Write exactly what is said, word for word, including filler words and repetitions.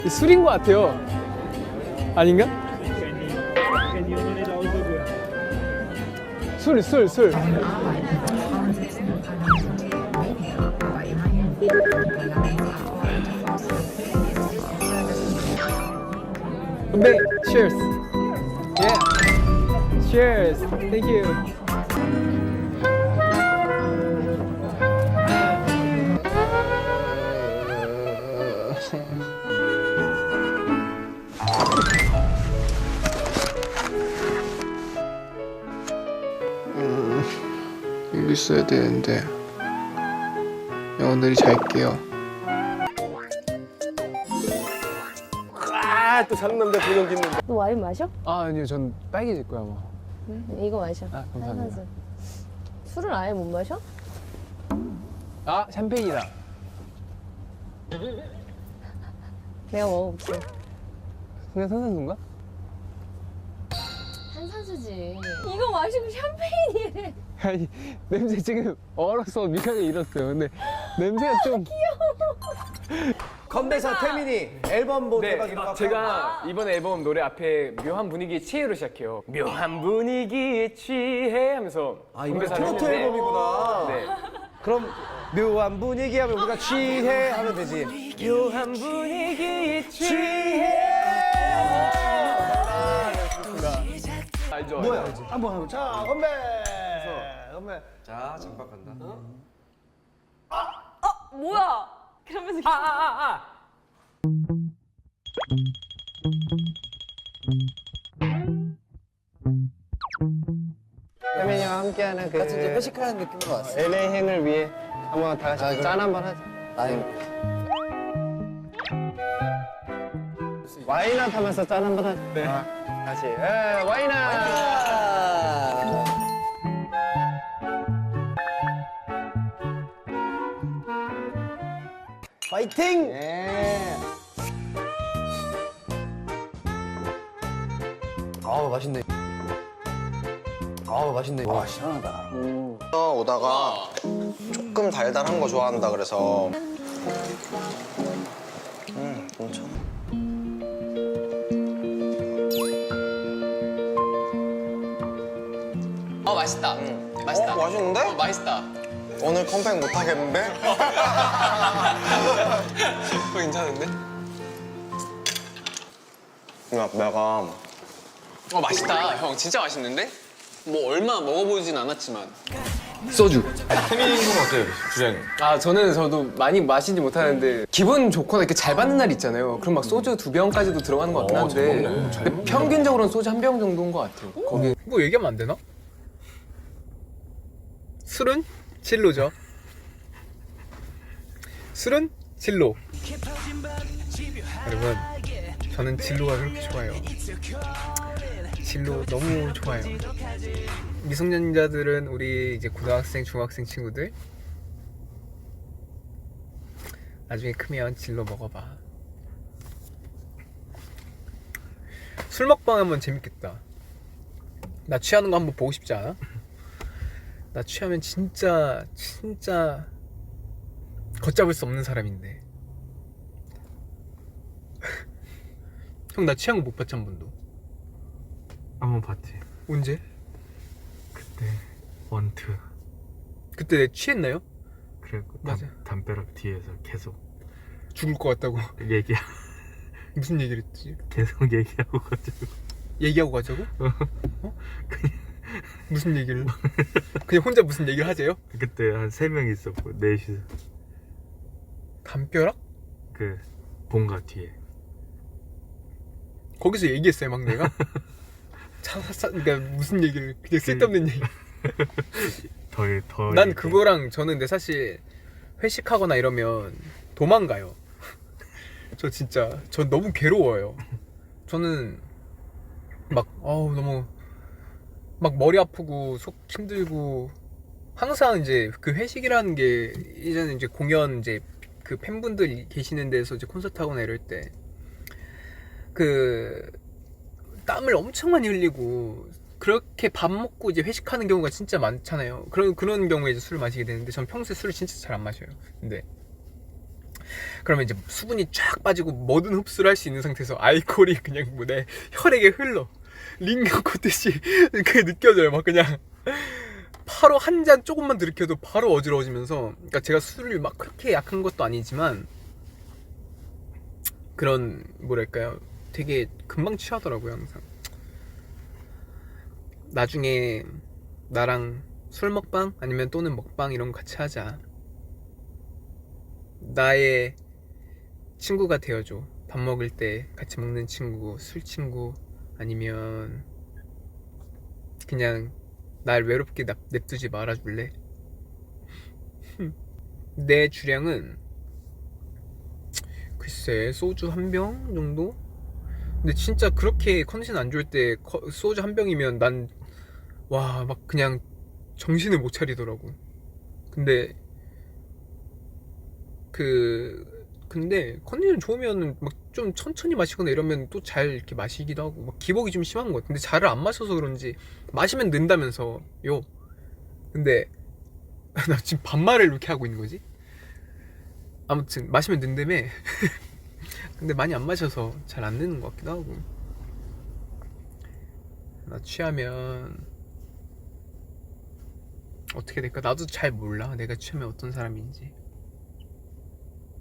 술인 것 같아요. 아닌가? 술, 술, 술. 네, cheers. Yeah. Cheers. Thank you. 여기 있어야 되는데 오늘이 잘게요. 아, 또 장남자 분명 짓는다. 너 와인 마셔? 아, 아니요, 전 빨개질 거야 아마. 응? 이거 마셔. 아, 감사합니다. 탄산수. 술을 아예 못 마셔? 아, 샴페인이다. 내가 먹어볼게. 그냥 탄산수인가? 탄산수지. 이거 마시고 샴페인이래. 아니, 냄새 지금 얼어서 미간에 잃었어요. 근데 냄새가 좀. 건배사 태민이 앨범 뭐 네, 대박이라고 할까요? 제가 이번 앨범 노래 앞에 묘한 분위기의 치해로 시작해요. 묘한 분위기의 치해 하면서 아 이거 건배사를 트로트 했는데, 앨범이구나. 네. 그럼 묘한 분위기 하면 우리가 취해 하면 되지. 묘한 분위기의 치해. 알죠? 뭐야? 알죠? 한번 하고 자 건배. 건배. 자, 잠깐 간다. 뭐야? 그러면서 아, 아, 아, 아. 태민이와 함께하는 그 같이 이제 회식하는 느낌으로 왔어. 엘에이행을 위해 한번 다 같이 아, 그래? 짠 한번 하자. 나이 와인아 하면서 짠 한번 하자. 네. 아, 다시. 에, 와인아. 파이팅! 예. 아우 맛있네. 아우 맛있네. 와 시원하다. 오다가 조금 달달한 거 좋아한다 그래서 음 괜찮아. 어 맛있다. 맛있다. 어, 맛있는데? 어, 맛있다. 오늘 컴백 못 하겠는데? 그거 괜찮은데? 야, 내가 어 맛있다. 형 진짜 맛있는데? 뭐 얼마 먹어보진 않았지만. 소주. 태민이 형 어때요, 주장님? 아, 저는 저도 많이 마시지 못하는데 기분 좋거나 이렇게 잘 받는 날 있잖아요. 그럼 막 소주 두 병까지도 들어가는 것 같긴 한데 근데 평균적으로는 소주 한 병 정도인 것 같아요. 거기 뭐 얘기하면 안 되나? 술은 진로죠. 술은 진로. 여러분, 저는 진로가 그렇게 좋아요. 진로 너무 좋아요. 미성년자들은 우리 이제 고등학생, 중학생 친구들 나중에 크면 진로 먹어봐. 술 먹방 하면 재밌겠다. 나 취하는 거 한번 보고 싶지 않아? 나 취하면 진짜 진짜 걷잡을 수 없는 사람인데. 형, 나 취한 거 못 봤지 한 번도. 한 번 봤지. 언제? 그때 원투. 그때 내 취했나요? 그리고 맞아. 담, 담벼락 뒤에서 계속 죽을 것 같다고. 얘기 무슨 얘기를 했지? 계속 얘기하고 가지고 얘기하고 가자고? 어? 무슨 얘기를? 그냥 혼자 무슨 얘기를 하세요? 그때 한 세 명 있었고 넷이서 담벼락? 그 본가 뒤에. 거기서 얘기했어요 막 내가? 차, 사, 그러니까 무슨 얘기를 그냥 쓸데없는 얘기. 더더 난 그거랑 저는 근데 사실 회식하거나 이러면 도망가요. 저 진짜 저 너무 괴로워요. 저는 막 어우 너무 막 머리 아프고 속 힘들고 항상 이제 그 회식이라는 게 이제는 이제 공연 이제 그 팬분들 계시는 데서 이제 콘서트 하거나 이럴 때 그 땀을 엄청 많이 흘리고 그렇게 밥 먹고 이제 회식하는 경우가 진짜 많잖아요. 그런 그런 경우에 이제 술을 마시게 되는데 전 평소에 술을 진짜 잘 안 마셔요. 근데 그러면 이제 수분이 쫙 빠지고 뭐든 흡수를 할 수 있는 상태에서 알코올이 그냥 뭐 내 혈액에 흘러 링거 꽂듯이 그게 느껴져요. 막 그냥 바로 한 잔 조금만 들이켜도 바로 어지러워지면서, 그러니까 제가 술을 막 그렇게 약한 것도 아니지만 그런 뭐랄까요, 되게 금방 취하더라고요. 항상 나중에 나랑 술 먹방 아니면 또는 먹방 이런 거 같이 하자. 나의 친구가 되어줘. 밥 먹을 때 같이 먹는 친구, 술 친구, 아니면 그냥 날 외롭게 납, 냅두지 말아줄래? 내 주량은 글쎄 소주 한 병 정도? 근데 진짜 그렇게 컨디션 안 좋을 때 커- 소주 한 병이면 난 와 막 그냥 정신을 못 차리더라고. 근데 그 근데 컨디션 좋으면 막 좀 천천히 마시거나 이러면 또 잘 이렇게 마시기도 하고, 막 기복이 좀 심한 것 같아. 근데 잘을 안 마셔서 그런지 마시면 는다면서요. 근데 나 지금 반말을 이렇게 하고 있는 거지? 아무튼 마시면 는다며. 근데 많이 안 마셔서 잘 안 느는 것 같기도 하고. 나 취하면 어떻게 될까? 나도 잘 몰라. 내가 취하면 어떤 사람인지.